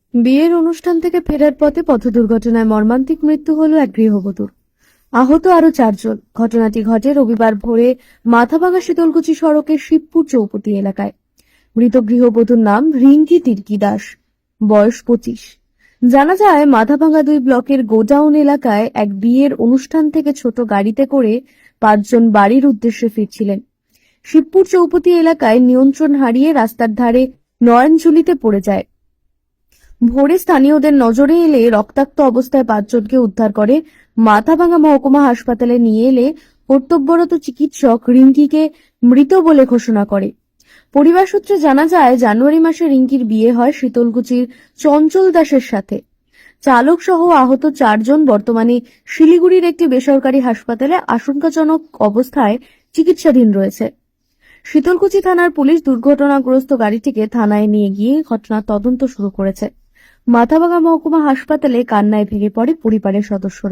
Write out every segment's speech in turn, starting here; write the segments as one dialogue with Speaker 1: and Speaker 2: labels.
Speaker 1: বিয়ের অনুষ্ঠান থেকে ফেরার পথে পথ দুর্ঘটনায় মর্মান্তিক মৃত্যু হল এক গৃহবধূর। আহত আরো 4 জন। ঘটনাটি ঘটে রবিবার ভোরে মাথাভাঙা শীতলকুচি সড়কের শিবপুর চৌপতি এলাকায়। মৃত গৃহবধূর নাম রিঙ্কি তির্কি দাস, বয়স 25। জানা যায় মাথাভাঙা 2 ব্লকের গোডাউন এলাকায় এক বিয়ের অনুষ্ঠান থেকে ছোট গাড়িতে করে 5 জন বাড়ির উদ্দেশ্যে ফিরছিলেন। শিবপুর চৌপতি এলাকায় নিয়ন্ত্রণ হারিয়ে রাস্তার ধারে নয়নঝুলিতে পড়ে যায়। ভোরে স্থানীয়দের নজরে এলে রক্তাক্ত অবস্থায় 5 জনকে উদ্ধার করে মাথাভাঙা মহকুমা হাসপাতালে নিয়ে এলে কর্তব্যরত চিকিৎসক রিঙ্কিকে মৃত বলে ঘোষণা করে। পরিবার সূত্রে জানা যায় জানুয়ারি মাসে রিঙ্কির বিয়ে হয় শীতলকুচির চঞ্চল দাসের সাথে। চালক সহ আহত 4 জন বর্তমানে শিলিগুড়ির একটি বেসরকারি হাসপাতালে আশঙ্কাজনক অবস্থায় চিকিৎসাধীন রয়েছে। শীতলকুচি থানার পুলিশ দুর্ঘটনাগ্রস্ত গাড়িটিকে থানায় নিয়ে গিয়ে ঘটনার তদন্ত শুরু করেছে। মাথাভাঙা মহকুমা হাসপাতালে কান্নায় ভেঙে পড়ে পরিবারের সদস্যরা।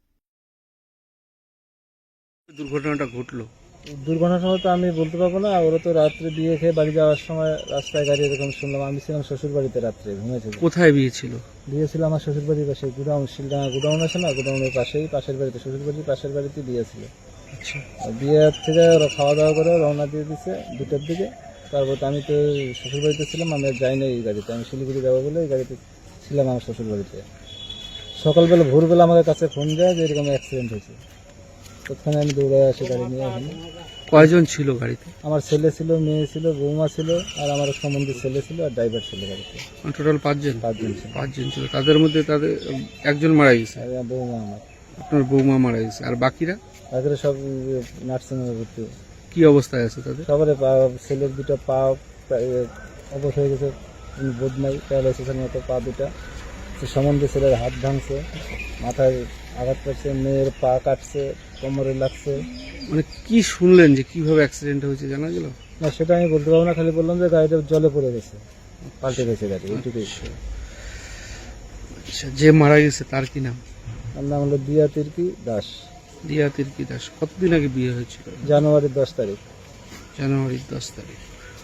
Speaker 2: দুর্ঘটনাটা ঘটলো,
Speaker 3: দুর্ঘটনাটা তো আমি বলতে পারবো না। ওরা তো রাত্রে বিয়ে খেয়ে বাড়ি যাওয়ার সময় রাস্তায় গাড়ি এরকম শুনলাম। আমি ছিলাম শ্বশুর বাড়িতে, রাত্রে ঘুমিয়েছিল।
Speaker 2: কোথায় বিয়ে ছিল?
Speaker 3: বিয়ে ছিল আমার শ্বশুর বাড়ির পাশে, গুডাউন, শিলডাঙ্গা গুডাউন আছে না, গুডাউনের পাশেই, পাশের বাড়িতে, শ্বশুর বাড়ির পাশের বাড়িতে বিয়ে ছিল।
Speaker 2: আচ্ছা,
Speaker 3: বিয়ে থেকে ওরা খাওয়া দাওয়া করে রওনা দিয়ে দিচ্ছে 2টার দিকে। তারপর আমি তো শ্বশুর বাড়িতে ছিলাম, আমি আর যাই না এই গাড়িতে, আমি শিলিগুড়ি যাবো বলে এই গাড়িতে ছিলাম আমার শ্বশুর বাড়িতে। সকালবেলা ভোরবেলা আমাদের কাছে ফোন দেয় যে এরকম অ্যাক্সিডেন্ট হয়েছে। তৎক্ষণে আমি দৌড়ে আসি গাড়ি নিয়ে। এখানে
Speaker 2: কয়জন ছিল গাড়িতে?
Speaker 3: আমার ছেলে ছিল, মেয়ে ছিল, বৌমা ছিল, আর আমার সম্বন্ধী ছেলে ছিল, আর ড্রাইভার ছিল গাড়িতে।
Speaker 2: টোটাল 5 জন?
Speaker 3: 5 জন ছিল।
Speaker 2: 5 জন ছিল। তাদের মধ্যে একজন মারা গেছে,
Speaker 3: আর আমার বৌমা, আমার
Speaker 2: আপনার বৌমা মারা গেছে। আর বাকিরা?
Speaker 3: তাদের সব নার্সিংহোমে ভর্তি।
Speaker 2: কি অবস্থায় আছে তাদের?
Speaker 3: সবারে ছেলের 2টা পা অবশ হয়ে গেছে, বোধ নাই, প্যারালাইসিসের মতো পা 2টা। সম্বন্ধে ছেলের হাত ভাঙছে, মাথায় আঘাত পাচ্ছে, মেয়ের পা কাটছে, কোমরে লাগছে।
Speaker 2: মানে কি শুনলেন যে কিভাবে অ্যাক্সিডেন্ট হয়েছে জানা গেল?
Speaker 3: না, সেটা আমি বলতে পারবো না, খালি বললাম যে গাড়িটা জলে পড়ে গেছে, পাল্টে গেছে গাড়ি, এইটুকুই।
Speaker 2: আচ্ছা, যে মারা গেছে তার কি নাম?
Speaker 3: আমার নাম হলো দিয়া তির্কি দাস।
Speaker 2: দিয়া তির্কি দাস। কতদিন আগে বিয়ে হয়েছিল?
Speaker 3: জানুয়ারির 10 তারিখ।
Speaker 2: জানুয়ারির 10 তারিখ।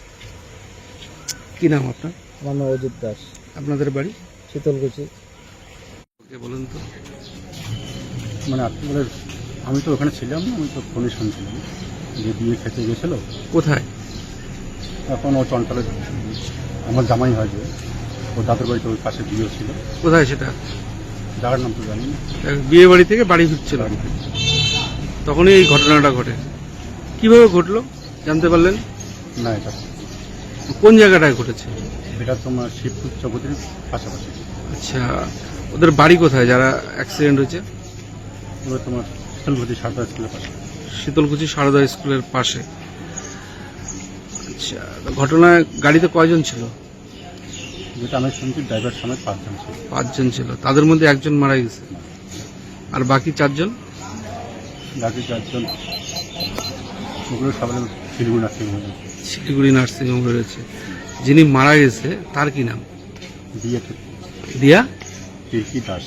Speaker 2: কি নাম আপনার?
Speaker 3: আমার নাম অজিত দাস।
Speaker 2: আপনাদের বাড়ি?
Speaker 3: শীতলকুচি।
Speaker 2: বলুন তো।
Speaker 4: মানে আপনাদের, আমি তো ওখানে ছিলাম না, আমি তো ফোনে শুনছিলাম যে বিয়ে খেতে গেছিলো।
Speaker 2: কোথায়?
Speaker 4: এখন ও চঞ্চলে, আমার জামাই হয় যে, ও দাদুর বাড়িতে ওই পাশে বিয়ে ছিল।
Speaker 2: কোথায় সেটা?
Speaker 4: জায়গার নাম তো জানি না।
Speaker 2: বিয়ে বাড়ি থেকে বাড়ি ফিরছিল, তখনই এই ঘটনাটা ঘটে। কিভাবে ঘটলো জানতে পারলেন?
Speaker 4: না, এটা
Speaker 2: কোন জায়গাটায় ঘটেছে?
Speaker 4: এটা তোমার শিবপুর চৌপতির পাশাপাশি।
Speaker 2: আচ্ছা, ওদের বাড়ি কোথায় যারা অ্যাক্সিডেন্ট হয়েছে?
Speaker 4: এবার তোমার শীতলকুচি সারদা স্কুলের পাশে।
Speaker 2: শীতলকুচি সারদা স্কুলের পাশে। আচ্ছা, ঘটনায় গাড়িতে কয়জন ছিল?
Speaker 4: যেটা আমি শুনছি ড্রাইভার সমেত 5 জন ছিল।
Speaker 2: 5 জন ছিল। তাদের মধ্যে একজন মারা গেছে, আর বাকি 4 জন?
Speaker 4: বাকি 4 জন ওগুলো সবাই শিলিগুড়ি নার্সিংহোমে রয়েছে।
Speaker 2: শিলিগুড়ি নার্সিংহোমে রয়েছে। যিনি মারা গেছে তার কি নাম?
Speaker 4: দিয়া
Speaker 2: দিয়া
Speaker 4: তির্কি দাস।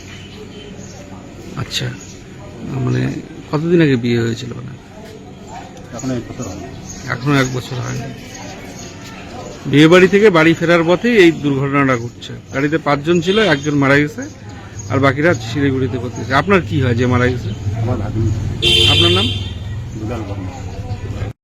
Speaker 2: আচ্ছা, মানে কতদিন আগে বিয়ে হয়েছিল? না,
Speaker 4: এখন 1 বছর হয়।
Speaker 2: এখনো 1 বছর হয়নি। বিয়ে বাড়ি থেকে বাড়ি ফেরার পথে এই দুর্ঘটনাটা ঘটছে। গাড়িতে 5 জন ছিল, একজন মারা গেছে, আর বাকিরা শিলিগুড়িতে করতেছে। আপনার কি হয় যে মারা গেছে?
Speaker 4: আমার ভাগ্নি।
Speaker 2: আপনার নাম?
Speaker 4: দুলাল বর্মা।